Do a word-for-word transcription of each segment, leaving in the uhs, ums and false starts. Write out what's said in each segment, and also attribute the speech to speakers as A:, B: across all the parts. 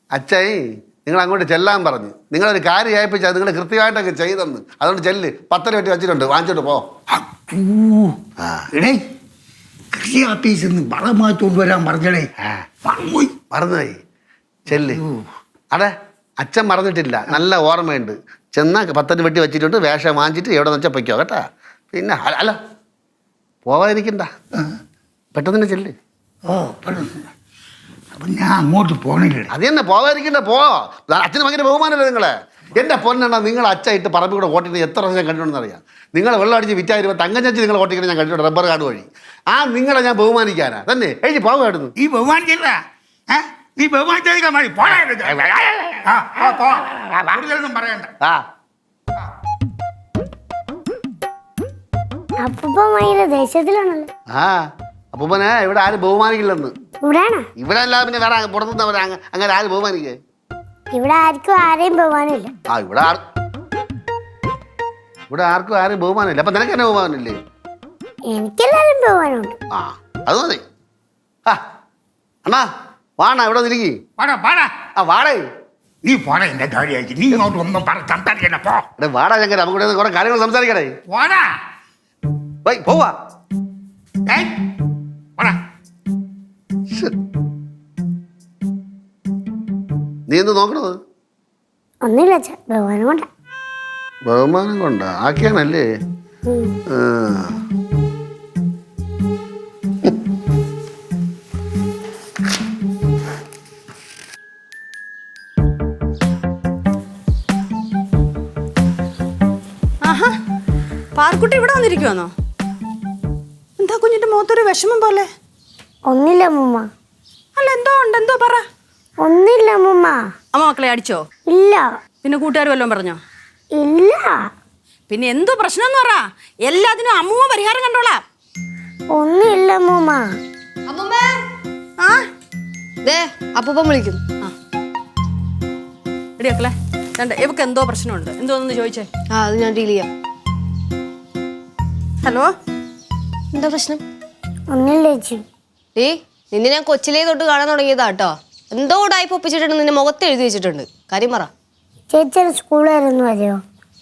A: അച്ഛായി നിങ്ങൾ അങ്ങോട്ട് ചെല്ലാൻ പറഞ്ഞു. നിങ്ങളൊരു കാര്യം ഏൽപ്പിച്ചാൽ നിങ്ങൾ കൃത്യമായിട്ടൊക്കെ ചെയ്തെന്ന്. അതുകൊണ്ട് ചെല്ല്. പത്തര വെട്ടി വെച്ചിട്ടുണ്ട്, വാങ്ങിച്ചോട്ട് പോ.
B: എടേ കൃഷി ഓഫീസിൽ നിന്ന് വളം മാറ്റോണ്ട് വരാൻ പറഞ്ഞടേ. മറന്നുപോയി
A: മറന്നുപോയി. ചെല്ല്. അടെ അച്ഛൻ മറന്നിട്ടില്ല, നല്ല ഓർമ്മയുണ്ട്. ചെന്നാൽ പത്തര വെട്ടി വെച്ചിട്ടുണ്ട്, വേഷം വാങ്ങിച്ചിട്ട് എവിടെ നിന്ന് വെച്ചാൽ പൊയ്ക്കോ കേട്ടാ. പിന്നെ അല്ല പോവാതിരിക്കണ്ട, പെട്ടെന്ന് തന്നെ ചെല്ല്.
B: ഓ അപ്പം ഞാൻ അങ്ങോട്ട് പോണില്ല.
A: അത് തന്നെ പോവാതിരിക്കണ്ട, പോ. അച്ഛന് ഭയങ്കര ബഹുമാനമല്ലേ നിങ്ങളെ. എൻ്റെ പൊന്നെണ്ണ, നിങ്ങൾ അച്ഛായിട്ട് പറമ്പിൽ കൂടെ ഓട്ടിട്ട് എത്ര വർഷം ഞാൻ കണ്ടിട്ടുണ്ടെന്ന് അറിയാം. നിങ്ങൾ വെള്ളം അടിച്ച് വിറ്റായിരുമ്പോൾ തങ്കച്ചി നിങ്ങൾ ഓട്ടിക്കണം ഞാൻ കണ്ടിട്ടുണ്ട്, റബ്ബർ കാർഡ് വഴി. ആ നിങ്ങളെ ഞാൻ ബഹുമാനിക്കാനാ തന്നെ എഴുതി പോകായിരുന്നു.
B: ഈ ബഹുമാനിക്കില്ല, നീ ബഹുമാനിച്ചാൽ മതി. കൂടുതലൊന്നും പറയണ്ട.
A: ആ
C: ദേശത്തിലാണല്ലോ.
A: ആ അപ്പൂപ്പനെ ഇവിടെ ആരും ബഹുമാനിക്കില്ലെന്ന്. ഇവിടെ അല്ലാതെ പിന്നെ വേറെ പുറത്തുനിന്നവരാ അങ്ങനെ ആരും ബഹുമാനിക്കേ?
C: ഇവിടെ ആർക്കും ആരെയും ബഹുമാനമില്ല.
A: ആ ഇവിടെ ഇവിടെ ആർക്കും ആരും ബഹുമാനമില്ല. അപ്പൊ നിനക്ക് തന്നെ ബഹുമാനമില്ലേ?
C: എനിക്കെല്ലാരും ബഹുമാനമുണ്ട്.
A: ആ അത് മതി. ആ അണ്ണാ വാണ ഇവിടെ നിൽക്കി. ആ വാടേ
B: നീ പോണ എന്റെ കാര്യമായിട്ട് നീ ഇങ്ങോട്ട് ഒന്നും സംസാരിക്കണ്ട. പോ
A: വാടാ ചങ്കര, നമുക്ക് കുറെ കാര്യങ്ങൾ സംസാരിക്കണേ.
B: പോടാ
A: പോവാ. നീ എന്ത് നോക്കണത്?
C: ഒന്നുമില്ല, ബഹുമാനം കൊണ്ട.
A: ബഹുമാനം കൊണ്ട ആക്കിയാണല്ലേ?
D: ആഹാ, പാർക്കുട്ടി ഇവിടെ വന്നിരിക്കുവാന്നോ? എന്താ കുഞ്ഞിന്റെ മുഖത്തൊരു വിഷമം പോലെ?
C: ഒന്നില്ല മുമ്മ.
D: അല്ല എന്തോ ഉണ്ട്, എന്തോ പറ.
C: ഒന്നില്ല മുമ്മ.
D: അമ്മ മക്കളെ അടിച്ചോ?
C: ഇല്ല.
D: പിന്നെ കൂട്ടുകാർ വല്ലതും പറഞ്ഞോ?
C: ഇല്ല.
D: പിന്നെ എന്തോ പ്രശ്നം എന്ന് പറ. എല്ലാത്തിനും അമ്മൂമ്മ പരിഹാരം കണ്ടോളാം.
C: ഒന്നില്ല മുമ്മ.
D: ആ
E: ദേ അപ്പൂപ്പൻ വിളിക്കുന്നു.
D: ആ എടി മക്കളെ, രണ്ട് ഇവക്ക് എന്തോ പ്രശ്നമുണ്ട്. എന്തോന്ന് ചോദിച്ചേ?
E: ആ അത് ഞാൻ ഡീൽ ചെയ്യാം.
D: ഹലോ,
E: എന്താ പ്രശ്നം?
C: ഒന്നില്ല ചേച്ചി.
E: ഏ നിന്നെ ഞാൻ കൊച്ചിലേ തൊട്ട് കാണാൻ തുടങ്ങിയതാ കേട്ടോ. എന്തോ ഉടായ്പ ഒപ്പിച്ചിട്ടുണ്ട്, നിന്റെ മുഖത്ത് എഴുതി വെച്ചിട്ടുണ്ട്. കാര്യം പറ.
C: ചേച്ചി സ്കൂളായിരുന്നു അതെയോ?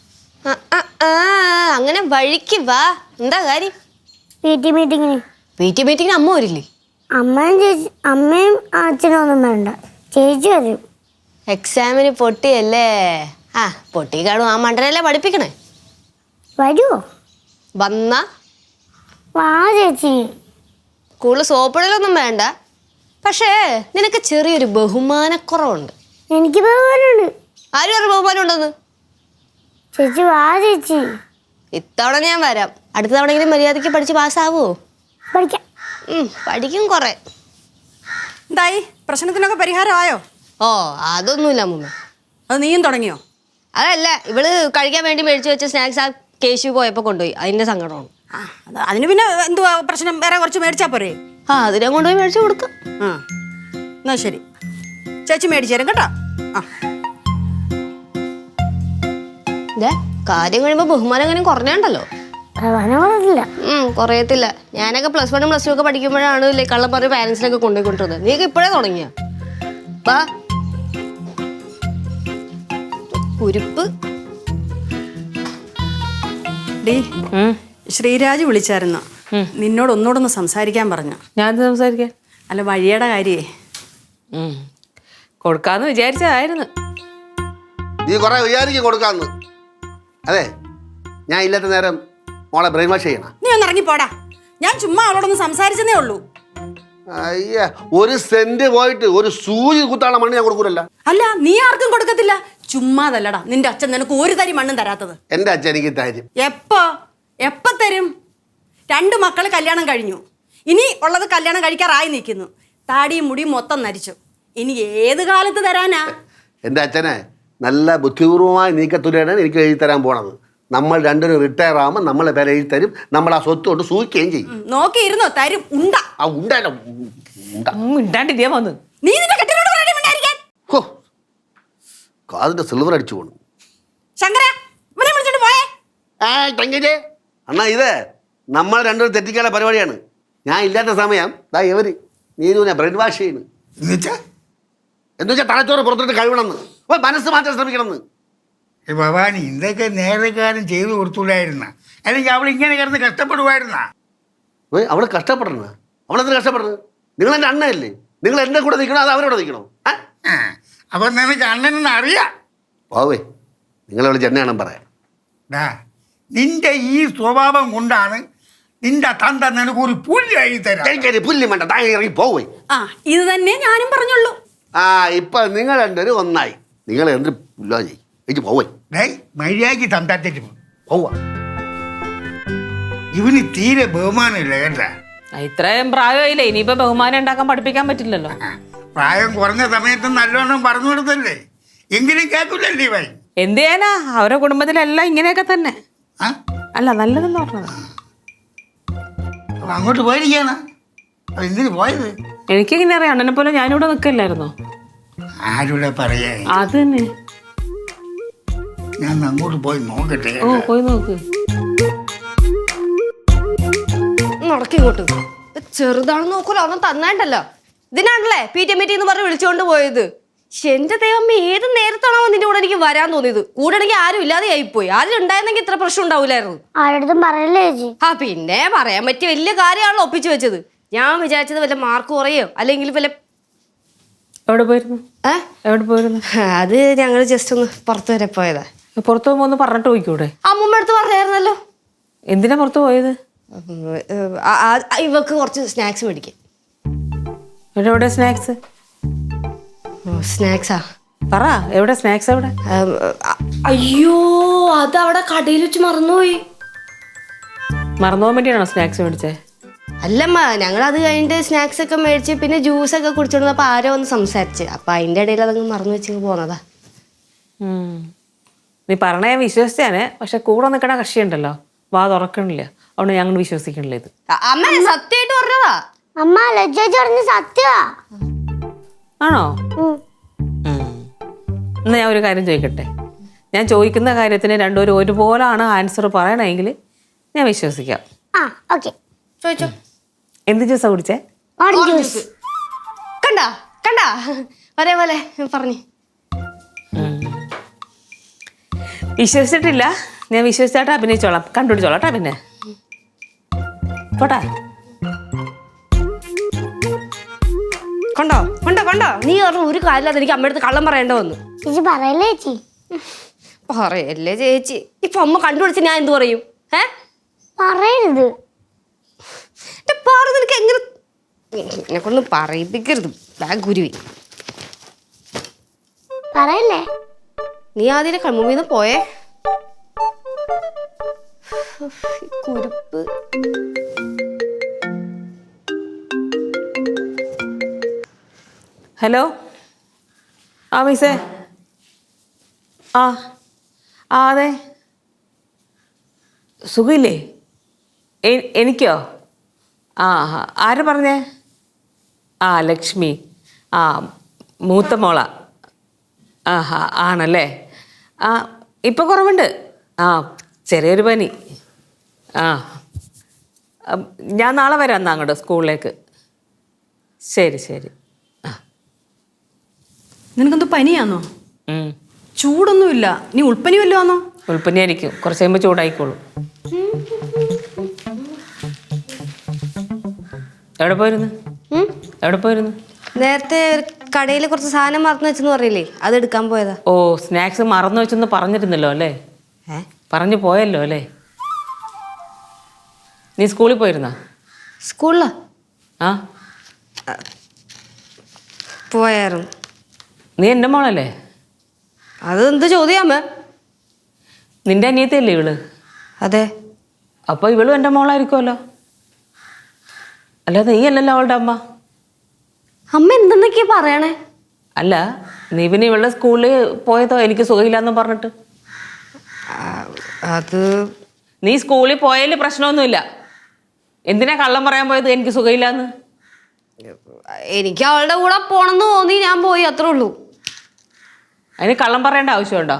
E: അങ്ങനെ വഴിക്ക് വാ. എന്താ കാര്യം?
C: പി ടി മീറ്റിങ്ങിന്.
E: പി ടി മീറ്റിങ്ങിന് അമ്മ വരില്ലേ?
C: അമ്മയും ചേച്ചി അമ്മയും അച്ഛനും ഒന്നും വേണ്ട, ചേച്ചി വരും.
E: എക്സാമിന് പൊട്ടിയല്ലേ? ആ പൊട്ടി കാണും. ആ മണ്ടനല്ലേ പഠിപ്പിക്കണേ.
C: വരുമോ?
E: വന്ന
C: വാ ചേച്ചി.
E: സ്കൂളിൽ സോപ്പിടലൊന്നും വേണ്ട, പക്ഷേ നിനക്ക് ചെറിയൊരു ബഹുമാനക്കുറവുണ്ട്.
C: എനിക്ക് ബഹുമാനമുണ്ട്.
E: ആരും അറിയ ബഹുമാനം ഉണ്ടെന്ന്?
C: ചേച്ചി വാ ചേച്ചി.
E: ഇത്തവണ ഞാൻ വരാം. അടുത്ത തവണയെങ്കിലും മര്യാദയ്ക്ക് പഠിച്ച് പാസ്സാവോ?
C: പഠിക്കാം.
E: പഠിക്കും കുറെ.
D: എന്തായി? പ്രശ്നത്തിനൊക്കെ പരിഹാരമായോ?
E: ഓ അതൊന്നുമില്ല അമ്മൂമ്മ.
D: അത് നീയും തുടങ്ങിയോ?
E: അതല്ല, ഇവള് കഴിക്കാൻ വേണ്ടി മേടിച്ചു വെച്ച സ്നാക്സ് ആ കേശു പോയപ്പോൾ കൊണ്ടുപോയി. അതിന്റെ സങ്കടമാണ്.
D: ആ അതിന് പിന്നെ എന്തുവാ പ്രശ്നം? വേറെ കുറച്ച് മേടിച്ചാ പോരേ?
E: ആ അതിനെ കൊണ്ടുപോയി മേടിച്ചു കൊടുക്കാം.
D: ആ എന്നാ ശരി, ചേച്ചി മേടിച്ചു തരാം കേട്ടോ. ആ
E: ഇതേ കാര്യം കഴിയുമ്പോൾ ബഹുമാനം അങ്ങനെ കുറഞ്ഞുണ്ടല്ലോ.
C: ബഹുമാനമില്ല.
E: ഉം കുറയത്തില്ല. ഞാനൊക്കെ പ്ലസ് വണ്ണും പ്ലസ് ടു ഒക്കെ പഠിക്കുമ്പോഴാണ് ഇല്ലേ കള്ളം പറഞ്ഞ് പാരൻസിനൊക്കെ കൊണ്ടുപോയിക്കൊണ്ടിരുന്നത്. നീക്ക് ഇപ്പോഴേ തുടങ്ങിയ വാ ഉരുപ്പ്.
D: ഡീ, ശ്രീരാജ് വിളിച്ചായിരുന്നു. നിന്നോട് ഒന്നുകൂടൊന്ന് സംസാരിക്കാൻ പറഞ്ഞു.
F: ഞാൻ സംസാരിക്കാൻ?
D: അല്ല വഴിയുടെ കാര്യേ
F: കൊടുക്കാന്ന് വിചാരിച്ചതായിരുന്നു.
A: നീ കുറെ വിചാരിക്കും കൊടുക്കാന്ന്. അതെ, ഞാൻ ഇല്ലാത്ത നേരം മോളെ ബ്രെയിൻ വാഷ് ചെയ്യണം.
D: നീ ഒന്ന് ഇറങ്ങിപ്പോടാ. ഞാൻ ചുമ്മാ അവളോടൊന്ന് സംസാരിച്ചതേ ഉള്ളൂ.
A: അയ്യ, ഒരു സെന്റ് പോയിട്ട് ഒരു സൂചി കുത്താനുള്ള മണ്ണ് ഞാൻ കൊടുക്കൂലല്ല.
D: അല്ല നീ ആർക്കും കൊടുക്കത്തില്ല. ചുമ്മാതല്ലടാ, നിന്റെ അച്ഛൻ നിനക്ക് ഒരു തരി മണ്ണും തരാത്തത്.
A: എന്റെ അച്ഛൻ എനിക്ക് തരും.
D: എപ്പോ എപ്പ തരും? രണ്ട് മക്കള് കല്യാണം കഴിഞ്ഞു, ഇനി ഉള്ളത് കല്യാണം കഴിക്കാറായി നിൽക്കുന്നു. താടിയും മുടിയും മൊത്തം നരിച്ചു. ഇനി ഏത് കാലത്ത് തരാനാ?
A: എൻ്റെ അച്ഛനെ നല്ല ബുദ്ധിപൂർവമായ നീക്കത്തുലയാണ് എനിക്ക് എഴുതി തരാൻ പോണത്. നമ്മൾ രണ്ടിനും റിട്ടയർ ആകുമ്പോൾ നമ്മളെ പേര് എഴുതി തരും. നമ്മൾ ആ സ്വത്ത് കൊണ്ട് സൂക്ഷിക്കുകയും ചെയ്യും.
D: നോക്കിയിരുന്നോ തരും. ഉണ്ട
A: ആ ഉണ്ടല്ല
F: ഉണ്ടാണ്ടിരിക്കാൻ വന്നു.
D: നീ നിന്റെ കെട്ടിനോട് പറയാൻ മിണ്ടായിരിക്കാൻ.
A: ഹോ, കാതിന്റെ സിൽവർ അടിച്ചു പോണു.
D: ശങ്കര ഇവനെ വിളിച്ചോണ്ട് പോയേ.
A: ആ തങ്കജേ അണ്ണാ, ഇത് നമ്മൾ രണ്ടുപേരും തെറ്റിക്കാനുള്ള പരിപാടിയാണ്. ഞാൻ ഇല്ലാത്ത സമയം ദാ ഇവര് നീരുവിനെ ബ്രെയിൻ വാഷ് ചെയ്യുന്നു. എന്ന് വെച്ചാൽ തലച്ചോറ് പുറത്തിട്ട് കഴിവണമെന്ന് ഓ മനസ്സ് മാറ്റാൻ ശ്രമിക്കണമെന്ന്.
B: ഏ ഭവാനി, ഇതൊക്കെ നേരെക്കാലം ചെയ്തു കൊടുത്തൂടായിരുന്ന, അല്ലെങ്കിൽ അവൾ ഇങ്ങനെ കിടന്ന് കഷ്ടപ്പെടുമായിരുന്ന.
A: ഓ അവൾ കഷ്ടപ്പെടണ, അവളെന്ത് കഷ്ടപ്പെടുന്നത്? നിങ്ങൾ എൻ്റെ അണ്ണയല്ലേ, നിങ്ങൾ എൻ്റെ കൂടെ നിൽക്കണോ അത് അവരോട് നിൽക്കണോ?
B: ആ, അപ്പൊ നിനക്ക് അണ്ണനെന്ന് അറിയാം.
A: ഓവേ നിങ്ങളെ വിളിച്ച് എന്നെയാണെന്ന് പറയാം.
B: ഡാ, നിന്റെ ഈ സ്വഭാവം കൊണ്ടാണ് നിന്റെ തന്ത നിനക്കൊരു പുല്ലായി തരാം.
A: എനിക്കൊരു പുല്ല് വേണ്ട, താങ്ങ ഇറങ്ങി പോവേ.
D: ആ ഇത് തന്നെ ഞാനും പറഞ്ഞുള്ളൂ.
A: ആ ഇപ്പൊ നിങ്ങൾ രണ്ടുപേരും ഒന്നായി. നിങ്ങൾ എന്ത് പുല്ലോ ചെയ്യും, എനിക്ക് പോവേ.
B: ഡേയ്, മര്യാദയ്ക്ക് തന്താത്തേറ്റ് പോകും.
A: പോവാ.
B: ഇവന് തീരെ ബഹുമാനമില്ല കേട്ടാ.
F: ഇത്രയും പ്രായമായില്ലേ, ഇനിയിപ്പോ ബഹുമാനം ഉണ്ടാക്കാൻ പഠിപ്പിക്കാൻ പറ്റില്ലല്ലോ.
B: പ്രായം കുറഞ്ഞ സമയത്ത് നല്ലോണം പറഞ്ഞു കൊടുത്തല്ലേ, എങ്കിലും കേൾക്കില്ലല്ലേ ഇവൻ.
F: എന്ത് ചെയ്യാനാ, അവരുടെ കുടുംബത്തിലെല്ലാം ഇങ്ങനെയൊക്കെ തന്നെ.
B: ആ,
F: അല്ല നല്ലതെന്ന് പറഞ്ഞത്.
B: അപ്പൊ അങ്ങോട്ട് പോയിരിക്കാണ്. അപ്പൊ എന്തിനു പോയത്?
F: എനിക്കിങ്ങനെ അറിയാം, അണ്ണനെ പോലെ ഞാനിവിടെ നിൽക്കില്ലായിരുന്നോ.
B: ആരുടെ പറയാ?
F: അത് തന്നെ.
B: ഞാൻ അങ്ങോട്ട് പോയി നോക്കട്ടെ.
F: ഓ പോയി നോക്ക്.
E: നടക്കിങ്ങോട്ട്. ചെറുതാണെന്ന് നോക്കൂല, ഒന്നും തന്നായിട്ടല്ലോ. ഇതിനാണല്ലേ പി ടി മീറ്റിംഗ് എന്ന് പറഞ്ഞ് വിളിച്ചുകൊണ്ട് പോയത്. എന്റെ ദൈവം, ഏത് നേരത്താണോ നിന്റെ കൂടെ എനിക്ക് വരാൻ തോന്നിയത്? കൂടെ എനിക്ക് ആരും ഇല്ലാതെ ആയിപ്പോയി. ആരും ഉണ്ടായിരുന്നെങ്കിൽ ഇത്ര പ്രശ്നം ഉണ്ടാവില്ലായിരുന്നു.
C: ആരടുത്തും പറയല്ലേ ചേച്ചി.
E: ആ പിന്നെ പറയാൻ പറ്റിയ വലിയ കാര്യമാണല്ലോ ഒപ്പിച്ചു വെച്ചത്. ഞാൻ വിചാരിച്ചത് വല്ല മാർക്ക് കുറയോ അല്ലെങ്കിൽ വല്ല.
F: എവിടെ പോയിരുന്നു?
E: ഏ
F: എവിടെ പോയിരുന്നു?
E: അത് ഞങ്ങൾ ജസ്റ്റ് ഒന്ന് പുറത്തു വരെ പോയതാ.
F: പുറത്തു പോകുമ്പോ ഒന്ന് പറഞ്ഞിട്ട് പോയിക്കൂടെ?
E: അമ്മൂമ്മ അടുത്ത് പറഞ്ഞായിരുന്നല്ലോ.
F: എന്തിനാ പുറത്തു പോയത്?
E: ആ, ആ, ഇവക്ക് കുറച്ച് സ്നാക്സ് മേടിക്കാൻ.
F: എവിടെ എവിടെ സ്നാക്സ്?
E: സ്നാക്സാ?
F: പറ, എവിടെ സ്നാക്സ്? എവിടെ?
E: അയ്യോ, അത് അവിടെ കടയിൽ വെച്ച് മറന്നുപോയി.
F: മറന്നുപോകാൻ വേണ്ടിയാണോ സ്നാക്സ് മേടിച്ചേ?
E: അല്ലമ്മ, ഞങ്ങൾ അത് കഴിഞ്ഞിട്ട് സ്നാക്സ് ഒക്കെ മേടിച്ച് പിന്നെ ജ്യൂസ് ഒക്കെ കുടിച്ചോണ്ടപ്പോ ആരോ ഒന്ന് സംസാരിച്ച്, അപ്പൊ അതിന്റെ ഇടയിൽ അതങ്ങ് മറന്നു വെച്ച് പോന്നതാ.
F: ഉം. നീ പറഞ്ഞ ഞാൻ വിശ്വസിച്ചാണ്, പക്ഷെ കൂടെ നിൽക്കണ കക്ഷിയുണ്ടല്ലോ, വാ തുറക്കണില്ല, അതുകൊണ്ട് ഞങ്ങൾ വിശ്വസിക്കണില്ല ഇത്.
E: അ- അമ്മ സത്യമായിട്ട് പറഞ്ഞതാ.
C: അമ്മ ലജ്ജ പറഞ്ഞ സത്യമാ.
F: ആണോ?
C: ഉം.
F: ഉം. എന്നാ ഞാൻ ഒരു കാര്യം ചോദിക്കട്ടെ. ഞാൻ ചോദിക്കുന്ന കാര്യത്തിന് രണ്ടുപേരും ഒരുപോലാണ് ആൻസർ പറയണമെങ്കിൽ ഞാൻ വിശ്വസിക്കാം.
C: ആ ഓക്കെ.
E: ചോദിച്ചോ.
F: എന്ത് ജ്യൂസാ കുടിച്ചേ?
C: Orange juice.
E: കണ്ടാ കണ്ടാ ഒരേ പോലെ പറഞ്ഞു.
F: വിശ്വസിച്ചിട്ടില്ല, ഞാൻ വിശ്വസിച്ചായിട്ട് അഭിനയിച്ചോളാം, കണ്ടുപിടിച്ചോളാം കേട്ടാ. പിന്നെ പോട്ടാ.
E: കണ്ടോ കണ്ടോ കണ്ടോ നീ പറഞ്ഞ ഒരു കാര്യമില്ലാതെ എനിക്ക് അമ്മയടുത്ത് കള്ളം പറയേണ്ട വന്നു.
C: ചേച്ചി പറയല്ലേ ചേച്ചി.
E: പറയല്ലേ ചേച്ചി. ഇപ്പൊ അമ്മ കണ്ടുപിടിച്ച് ഞാൻ എന്ത് പറയും? ഏ
C: പറയരുത്.
E: പാറു, നിനക്ക് എങ്ങനെ എന്നെ കൊണ്ട് പറയിപ്പിക്കരുത്. ബാഗ് ഗുരുവി.
C: പറയല്ലേ.
E: നീ ആദ്യം കൺമുമ്പിന്ന് പോയേ. കുരുപ്പ്.
F: ഹലോ. ആ മിസ്സേ. ആ ആ അതെ, സുഖമില്ലേ? എ- എനിക്കോ? ആ ആര് പറഞ്ഞേ? ആ ലക്ഷ്മി. ആ മൂത്ത മോള. ആ ഹാ ആണല്ലേ. ആ ഇപ്പം കുറവുണ്ട്. ആ ചെറിയൊരു പനി. ആ അം, ഞാൻ നാളെ വരാം എന്നാ അങ്ങോട്ട് സ്കൂളിലേക്ക്. ശരി ശരി.
D: നിനക്കെന്തോ പനിയാന്നോ?
F: ഉം.
D: ചൂടൊന്നുമില്ല, നീ ഉൾപ്പനി വല്ലതും ആണോ?
F: ഉൾപ്പനിയായിരിക്കും, കുറച്ച് കഴിയുമ്പോൾ ചൂടായിക്കോളൂ. എവിടെ പോയിരുന്നു?
E: ഉം?
F: എവിടെ പോയിരുന്നു?
E: നേരത്തെ കടയിൽ കുറച്ച് സാധനം മറന്നു വെച്ചെന്ന് പറഞ്ഞില്ലേ, അത് എടുക്കാൻ പോയതാ.
F: ഓ സ്നാക്സ് മറന്നു വെച്ചെന്ന് പറഞ്ഞിരുന്നല്ലോ അല്ലേ?
E: ഏ
F: പറഞ്ഞു പോയല്ലോ അല്ലേ? നീ സ്കൂളിൽ പോയിരുന്നോ?
E: സ്കൂളിലാ
F: ആ
E: പോയായിരുന്നു.
F: നീ എൻ്റെ മോളല്ലേ?
E: അത് എന്ത് ചോദ്യാമ്മ?
F: നിന്റെ അനിയത്തിയല്ലേ ഇവള്?
E: അതെ.
F: അപ്പോൾ ഇവളും എൻ്റെ മോളായിരിക്കുമല്ലോ. അല്ലാതെ നീ അല്ലല്ലോ അവളുടെ അമ്മ.
E: അമ്മ എന്തെന്നൊക്കെയാ പറയണേ?
F: അല്ല, നീ പിന്നെ ഇവളുടെ സ്കൂളിൽ പോയതോ എനിക്ക് സുഖമില്ലാന്ന് പറഞ്ഞിട്ട്?
E: അത്
F: നീ സ്കൂളിൽ പോയതിൽ പ്രശ്നമൊന്നുമില്ല. എന്തിനാ കള്ളം പറയാൻ പോയത് എനിക്ക് സുഖമില്ലാന്ന്?
E: എനിക്ക് അവളുടെ കൂടെ പോണെന്ന് തോന്നി, ഞാൻ പോയി, അത്രേ ഉള്ളൂ.
F: അതിന് കള്ളം പറയേണ്ട ആവശ്യമുണ്ടോ?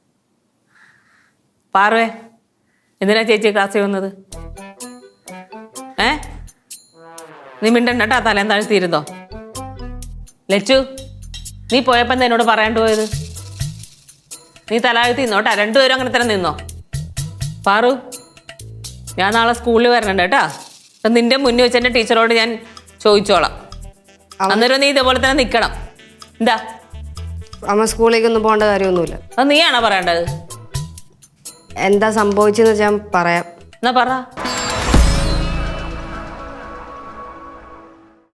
F: പാർവേ, എന്തിനാ ചേച്ചി ക്ലാസ്സിൽ വന്നത്? ഏ നീ മിണ്ടണ്ട കേട്ടാ, തലേം താഴ്ത്തിയിരുന്നോ? ലച്ചു നീ പോയപ്പോൾ എന്താ എന്നോട് പറയാണ്ട് പോയത്? നീ തലാകത്തി നിന്നോട്ടാ, രണ്ടുപേരും അങ്ങനെ തന്നെ നിന്നോ. പാറു, ഞാൻ നാളെ സ്കൂളിൽ വരണുണ്ട് കേട്ടാ. അപ്പം നിന്റെ മുന്നിൽ വെച്ച് എൻ്റെ ടീച്ചറോട് ഞാൻ ചോദിച്ചോളാം. അന്നേരം നീ ഇതേപോലെ തന്നെ നിൽക്കണം. എന്താ
E: അമ്മ സ്കൂളിലേക്കൊന്നും പോകേണ്ട കാര്യമൊന്നുമില്ല.
F: അത് നീയാണോ പറയേണ്ടത്?
E: എന്താ സംഭവിച്ചെന്ന് വെച്ചാൽ പറയാം.
F: എന്നാ പറ.